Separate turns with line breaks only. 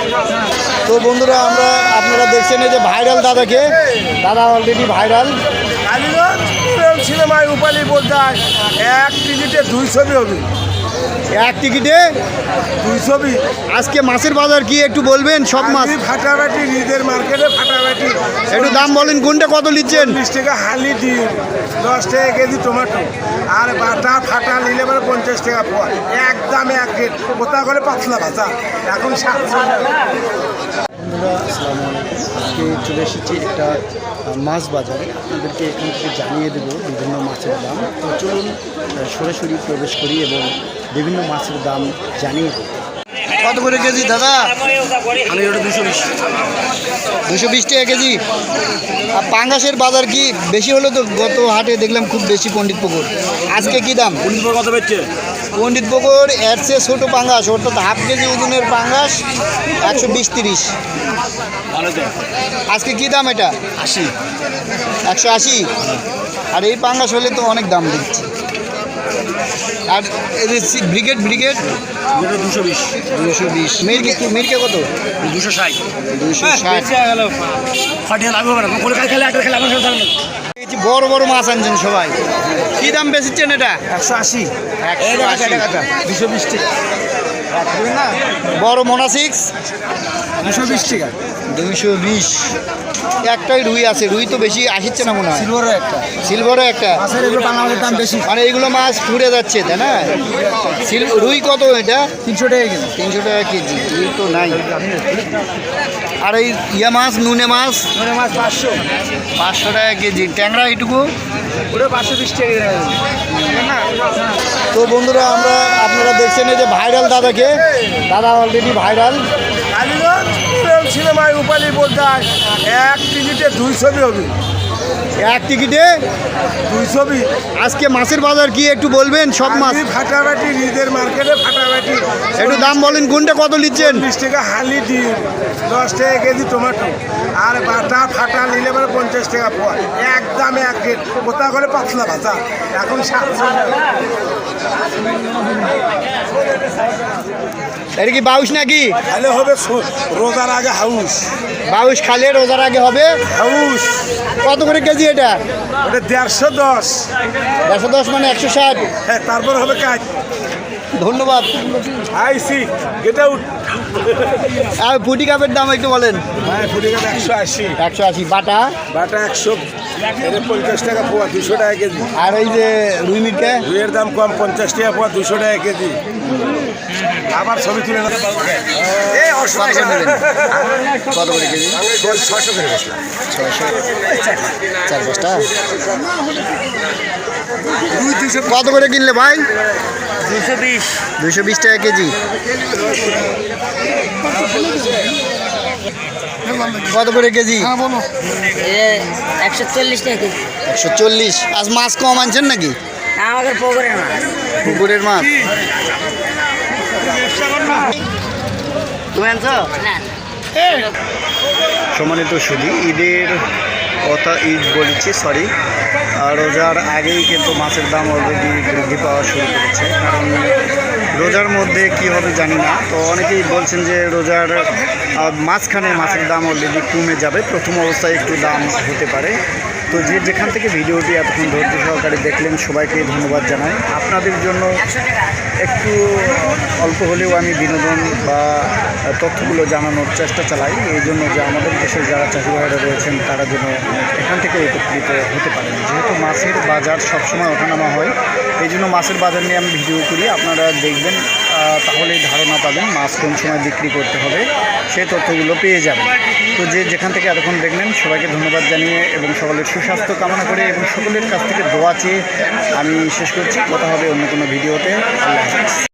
তো বন্ধুরা আপনারা দেখছেন এই যে ভাইরাল দাদাকে, দাদা অলরেডি ভাইরাল।
সিনেমায় রূপালী পর্দায় এক টিকিটে 200 হবে।
এক টিকিটে
200।
আজকে মাছের বাজার কি একটু বলবেন? সব মাছ
ফাটাফাটি, ঈদের মার্কেটে ফাটাফাটি।
একটু দাম বলেন, কোনটা কত নিচ্ছেন?
40 টাকা হালি ডিম, 10 টাকা কেজি টমেটো, আর বাটা ফাটা নিলে মানে 50 টাকা পোয়া। একদম এক রেট, কোথা করে পাতলা ভাজা এখন 700 টাকা।
বন্ধুরা আসসালামু আলাইকুম। আজকে চলে এসেছি একটা মাছ বাজারে, আপনাদেরকে এখান থেকে জানিয়ে দেবো বিভিন্ন মাছের দাম। তো চলুন সরাসরি প্রবেশ করি এবং বিভিন্ন মাছের দাম জানিয়ে দেবো। কত করে কেজি দাদা?
আমি ওটা 220।
220 টাকা কেজি। আর পাঙ্গাসের বাজার কি বেশি হলো? তো গত হাটে দেখলাম খুব বেশি পণ্ডিত পুকুর। আজকে কি দাম?
কত বেচছে?
পণ্ডিত পুকুর এর চেয়ে ছোটো পাঙ্গাস, অর্থাৎ হাফ কেজি ওজনের পাঙ্গাস 120-30।
ভালো তো।
আজকে কি দাম এটা?
80।
180। আর এই পাঙ্গাস হলে তো অনেক দাম দিচ্ছে। আর এই যে ব্রিগেড
220।
220। মিরকে কত?
260।
260।
ফাটিয়ে লাগবে না, কলকাতা খেলে একটা খেলে আমার সাথে থাকবে।
বড় বড় মাছ আনছেন সবাই। কি দাম বেচেছেন এটা?
180। 220 টাকা।
না বড় মোনাসিক্স
220 টাকা।
220। একটাই রুই আছে, রুই তো বেশি আসছে না মনে হয়। সিলভারও একটা।
মাছের এগুলো বাংলাদেশের দাম বেশি।
মানে এইগুলো মাছ পুড়ে যাচ্ছে, তাই না? রুই কত এটা?
300 টাকা কেজি।
300 টাকা কেজি। রুই তো নাই। আর এই ইয়া মাছ, নুনে মাছ?
500।
500 টাকা কেজি। ট্যাংরা এইটুকু?
ওটা 520 টাকা কেজি।
তো বন্ধুরা আপনারা দেখছেন এই যে ভাইরাল দাদাকে, দাদা অলরেডি ভাইরাল।
সিনেমায় রূপালী পর্দায় এক টিকিটে 200 হবে।
এক টিকিটে
200।
আজকে মাছের বাজার কি একটু বলবেন? সব মাছ
ফাটাফাটি, ঈদের মার্কেটে ফাটাফাটি।
একটু দাম বলেন, কোনটা কত নিচ্ছেন?
40 টাকা হালি ডিম, 10 টাকা কেজি টমেটো, আর বাটা ফাটা নিলে মানে 50 টাকা পোয়া। একদম এক রেট, কোথা করে পাতলা ভাজা এখন 700 টাকা।
এটা কি বাউশ নাকি?
তাহলে হবে রোজার আগে হাউস।
বাউশ খালে রোজার আগে হবে
হাউস।
কত করে কেজি এটা?
ওটা 150।
110 মানে 160।
হ্যাঁ, তারপর হবে কাজ।
ধন্যবাদ।
আইসি গেট আউট।
আর ফুটি কাপের দাম একটু বলেন।
হ্যাঁ, ফুটি কাপ 180।
180। বাটা?
বাটা 100। এটা 50 টাকা পোয়া, 200 টাকা কেজি।
আর এই যে রুই মিটকে?
রুইয়ের দাম কম, 50 টাকা পোয়া, 200 টাকা কেজি। আবার ছবি তুলে না।
কত করে কেজি?
600 করে বসলাম।
600। 4-5টা। কত করে কিনলে ভাই?
220।
220 টাকা কেজি। কত করে কেজি?
140 টাকা কেজি।
140। আজ মাছ কম আনছেন নাকি?
আমাদের পুকুরের মাছ।
পুকুরের মাছ তুমি আনছো?
না।
সম্মানিত সুধী, ঈদের কথা ঈদ বলেছি, সরি, রোজার আগেই কিন্তু মাছের দাম অলরেডি বৃদ্ধি পাওয়া শুরু করেছে। কারণ রোজার মধ্যে কি হবে জানি না। তো অনেকেই বলছেন যে রোজার মাঝখানে মাছের দাম অলরেডি কমে যাবে, প্রথম অবস্থায় একটু দাম হতে পারে। তো যেখান থেকে ভিডিওটি এতক্ষণ ধৈর্য সহকারে দেখলেন সবাইকে ধন্যবাদ জানাই। আপনাদের জন্য একটু অল্প হলেও আমি বিনোদন বা তথ্যগুলো জানানোর চেষ্টা চালাই, এই জন্য যে আমাদের দেশের যারা চাষি ভাইরা রয়েছেন তারা যেন এখান থেকে উপকৃত হতে পারেন। যেহেতু মাছের বাজার সবসময় ওঠানামা হয়, এই জন্য মাছের বাজার নিয়ে আমি ভিডিও করি। আপনারা দেখবেন, তাহলেই ধারণা পাবেন মাছ কোন সময় বিক্রি করতে হবে, সেই তথ্যগুলো পেয়ে যাবেন। তো যেখান থেকে এতক্ষণ দেখলেন সবাইকে ধন্যবাদ জানিয়ে এবং সকলের সুস্বাস্থ্য কামনা করে এবং সকলের কাছ থেকে দোয়া চেয়ে আমি শেষ করছি। কথা হবে অন্য কোনো ভিডিওতে। আল্লাহ হাফেজ।